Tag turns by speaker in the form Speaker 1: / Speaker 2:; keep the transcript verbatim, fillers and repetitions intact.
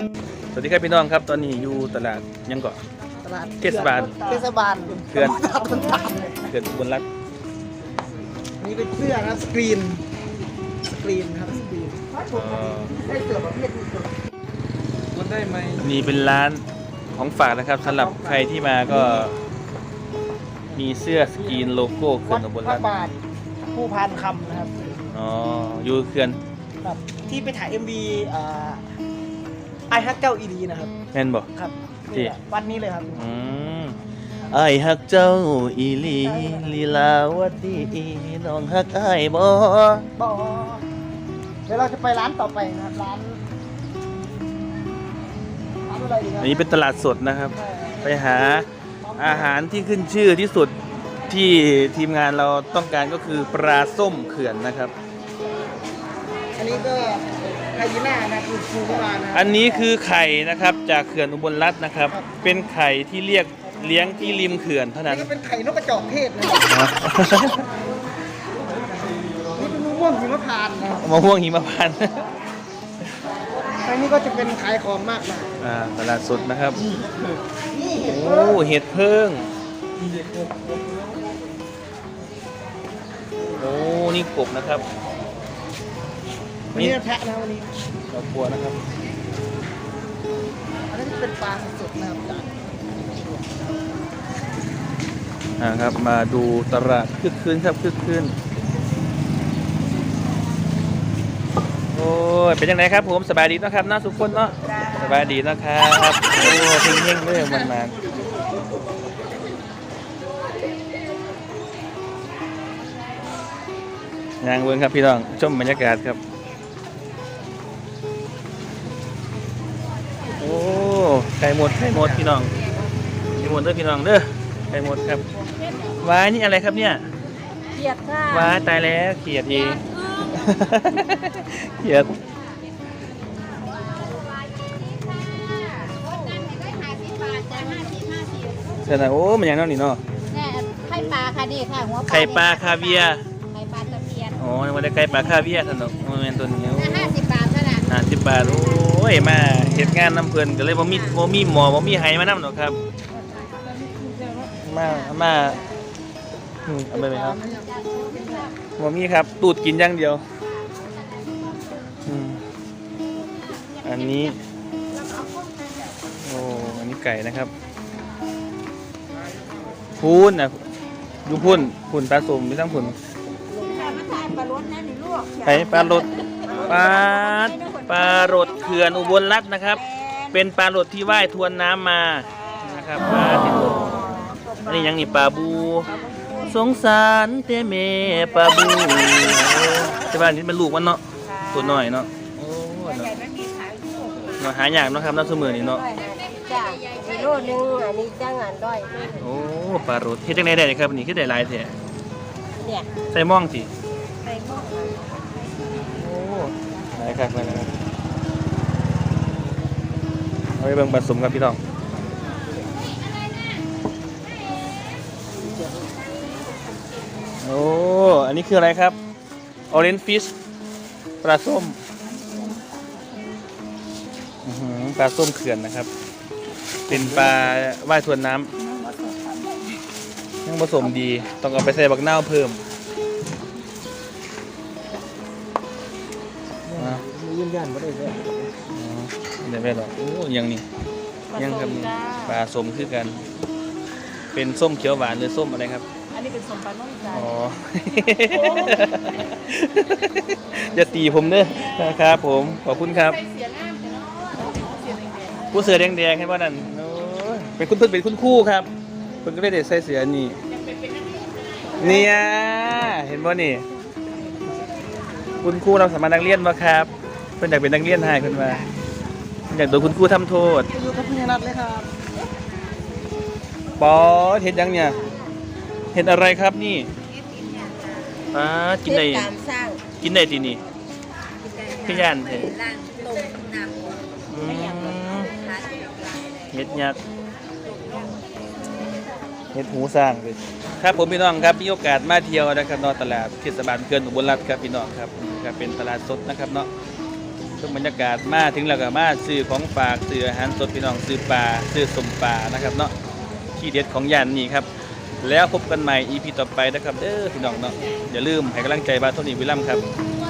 Speaker 1: สวัสดีครับพี่น้องครับตอนนี้อยู่ตลาดยังเกาะ
Speaker 2: ตลาด
Speaker 1: เทศบาล
Speaker 2: เทศบาล
Speaker 1: เขื่อน
Speaker 2: ต้นตาล
Speaker 1: เขื่อนอุบลรัตน์
Speaker 2: นี่เป็นเสื้อนะสกรีนสกรีนครับสกรีนได้เสื้อประเภทนี้มันได้ไหม
Speaker 1: นี่เป็นร้านของฝากนะครับสำหรับใครที่มาก็มีเสื้อสกรีนโลโก้เขื่อนอุบลรัตน์
Speaker 2: บาทผู้พันคำนะครับ
Speaker 1: อ๋ออยู่เขื่อน
Speaker 2: ครับที่ไปถ่าย เอ็ม วี อ่าไอฮักเจ้าอีดีนะครับ
Speaker 1: แม่นบ่
Speaker 2: ครับ
Speaker 1: ที่
Speaker 2: นี่แหละวันนี้เลยครับ
Speaker 1: อืมไอ้ฮักเจ้าอีหลีลีลาวดีน้องฮักอ้ายบ่
Speaker 2: บอเดี๋ยวเราจะไปร้านต่อไปนะครับร้านร้านอะไรดีครั
Speaker 1: อันนี้เป็นตลาดสดนะครับ ไปหาอาหารที่ขึ้นชื่อที่สุดที่ทีมงานเราต้องการก็คือปลาส้มเขื่อนนะครับ
Speaker 2: อันนี้ก็ไฮยีน่านะคือฟูเข้ามานะ
Speaker 1: อันนี้คือไข่นะครับจากเขื่อนอุบลรัตน์นะครับ เป็นไข่ที่เรียกเลี้ยงที่ริมเขื่อนเท่า
Speaker 2: อั
Speaker 1: นั้น น
Speaker 2: นี้ก็เป็นไข่นกกระจอกเทศนะครับนี่เป็นมะม่วงหิมพานต์นะครับ
Speaker 1: มะม่วงหิมพานต์
Speaker 2: อันนี้ก็จะเป็นขายของมากมาย
Speaker 1: อ่าตลาดสดนะครับ
Speaker 2: นี่เห็ด
Speaker 1: โอ้เห็ดเพิ่งโอ้นี่กบนะครับ
Speaker 2: วันนี้แพะนะวันนี้
Speaker 1: ดอกบัวนะครับ
Speaker 2: อันนี้เป็นปลาสดนะครับจาก
Speaker 1: นะครับมาดูตลาดคึกคืนครับคึกคืนโอ้ยเป็นยังไงครับผมสบายดีเนาะครับน้าสุขคนเนาะสบายดีนะครับโอ้เฮงเฮงๆเลยมันมาย่างเวิร์นครับพี่น้องชมบรรยากาศครับโอ้ไข่หมดไข่หมดพี่น้องไข่หมดเด้อพี่น้องเด้อไข่หมดครับว้ายนี่อะไรครับเนี่ย
Speaker 3: เขียดค่ะ
Speaker 1: ว้ายตายแล้วเขียดเอง เขียดเสร็จแล้วโอ้มันยังนั่นนี่เนาะ
Speaker 3: เนี่ยไข่ปลาค่ะนี่ค่ะหัว
Speaker 1: ไข่ปลาคาเวียร์
Speaker 3: ไข่ปลาตะเพียน
Speaker 1: อ๋อมันได้ไข่ปลาคาเวียร์สนุกมันเป็นตัวนี้
Speaker 3: แต่ห้าสิบบาทเท่านั้น
Speaker 1: ห้าสิบบาทโอ้ยมาเฮ็ดงานน้ำเพลินก็เลยบ่มีบ่มีหมอบ่มีไห้มาน้ำหรอกครับมามาอืมเอาไปไหมครับบ่มีครับตูดกินอย่างเดียวอืมอันนี้โอ้อันนี้ไก่นะครับพูนนะดูพุ่นพุ่นปลาสมมีทั้งพุ่น
Speaker 3: มาทานปลาล้วนนะนี่ลูก
Speaker 1: ไก่ปลาโรดปลาปลาโรดเขื่อนอุบลรัตน์นะครับ เป็นปลาโรดที่ว่ายทวนน้ำมานะครับปลาที่ตัวอันนี้ยังนี่ปลาบูสงสารเต้เมปลาบูใช่ป่ะนี่เป็นลูกมันเนาะตัวน้อยเนาะโอ้เนาะเนาะหายากเนาะครับน้ำสมือนี่เนาะ
Speaker 3: จ้ากิโลนึงอันนี้จ้างงานด้อย
Speaker 1: โอ้ปลาโรดเฮ็ดจังได๋ได้ครับนี่คือได้หลายแท้
Speaker 3: เนี่ย
Speaker 1: ใส่หม่องสิ
Speaker 3: ใส่หม้อ
Speaker 1: โอ้หลายคักเลยนะครับเอาไปเบิ่งผสมกับพี่น้องโอ้อันนี้คืออะไรครับ Orange Fish ปลาส้มอื้อหือปลาส้มเขื่อนนะครับ เป็นปลาว่ายทวนน้ำยังผสมดีต้องเอาไปใส่บักนาวเพิ่มนะ
Speaker 2: ยืนยันว่าได้เลย
Speaker 1: อ๋อได้ไหมหรอโอ้ยังนี่ยังครับนี่ปลาส้มคือกัน เป็นส้มเขียวหวานหรือส้มอะไรครับ
Speaker 3: อันนี้เป็นสมปลาน้องจ้า
Speaker 1: อ๋อ อย่าตีผมเด้อนะครับผมขอบคุณครับ
Speaker 3: เสียน้ำเนาะเสียแดง
Speaker 1: ผู้เสือแดงๆให้ว่านั่นโอ้ยเป็นคุณเพิ่นเป็นคุณครู่ครับเพิ่นก็ได้เด็ดใส่เสือนี่เนี่ยเห็นบ่นี่คุณครูเราสามารถนักเรียนบ่ครับเพิ่นอยากเป็นนักเรียนให้เพิ่นว่าเพิ่นอยากโดนคุณครูทำโทษ
Speaker 2: อยู่กับพี่นัทเลยครับ
Speaker 1: ปอเฮ็ดหยังเนี่ยเฮ็ดอะไรครับนี่ป้ากินได้
Speaker 3: ตามสร้าง
Speaker 1: กินได้ทีนี่พี่ย่านเถอะ
Speaker 3: ล่างต้มน้ำ
Speaker 1: อืม
Speaker 3: ทาน
Speaker 1: เฮ็ดยักษ์เฮ็ดหูสร้างเลยครับผมพี่น้องครับมีโอกาสมาเที่ยวนะครับเนาะตลาดเทศบาลเขื่อนอุบลรัตน์ครับพี่น้องครับครับเป็นตลาดสดนะครับเนาะชมบรรยากาศมาถึงแล้วก็มาซื้อของฝากซื้ออาหารสดพี่น้องซื้อปลาซื้อสมปลานะครับเนาะที่เด็ดของย่านนี้ครับแล้วพบกันใหม่ อี พี ต่อไปนะครับเด้อพี่น้องเนาะอย่าลืมให้กำลังใจบาโทนี่วิลลัมครับ